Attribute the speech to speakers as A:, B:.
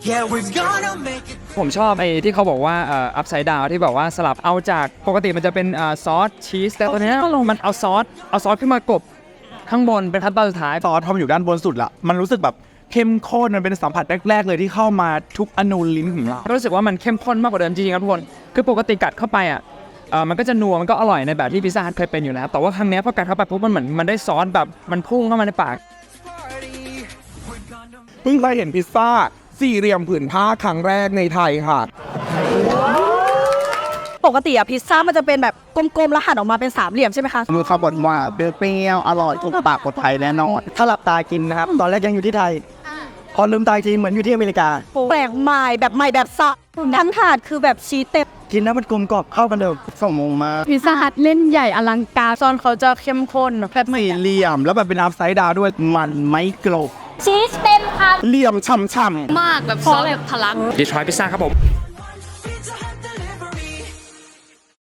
A: Yeah, we're gonna make it.
B: ผมชอบไอ้ที่เขาบอกว่าอัพไซด์ดาวที่แบบว่าสลับเอาจากปกติมันจะเป็นซอสชีสแต่ตอนนี้มันเอาซอสขึ้นมากบข้างบนเป็นขั้นตอนสุดท้าย
C: ซอสพอมันอยู่ด้านบนสุดละมันรู้สึกแบบเข้มข้นมันเป็นสัมผัสแรกๆเลยที่เข้ามาทุกอนูลิ้นของเรา
B: ก็รู้สึกว่ามันเข้มข้นมากกว่าเดิมจริงๆครับทุกคนคือปกติกัดเข้าไปมันก็จะนัวมันก็อร่อยในแบบที่พิซซ่าฮัทเคยเป็นอยู่แล้วแต่ว่าครั้งนี้พอกัดเข้าไปปุ๊บมันเหมือนมันได้ซอสแบบมันพุ่งเข้ามาในปาก
C: เพิ่งเคยเห็นพิซซ่าสี่เหลี่ยมผืนผ้าครั้งแรกในไทยค่ะ
D: ปกติอะพิซซ่ามันจะเป็นแบบกลมๆแล้วหั่นออกมาเป็นสามเหลี่ยมใช่ไหมคะ
E: มือเขาบอกว่าเปรี้ยวอร่อยถูกปากคนไทยแน่นอนถ้าหลับตากินนะครับตอนแรกยังอยู่ที่ไทยพอลืมตาจริงเหมือนอยู่ที่อเมริกา
D: แปลกใหม่แบบใหม่แบบสดทั้งถาดคือแบบชีสเต็ม
E: กินแล้วมันกลมกรอบเข้ากันเดิมสมงมา
F: พิซซ่าฮัทเล่นใหญ่อลังการซอนเขาจะเข้มข้นแบบ
C: สี่เหลี่ยมแล้วแบบเป็นอัพไซด์ดาวด้วย
E: มันไม่กรอบ
G: ชีสเต็มค่ะ
C: เหลี่ยมฉ่ำๆ
F: มากแบบซอสแบบทะลัก
B: ดีทรอยต์พิซซ่าครับผม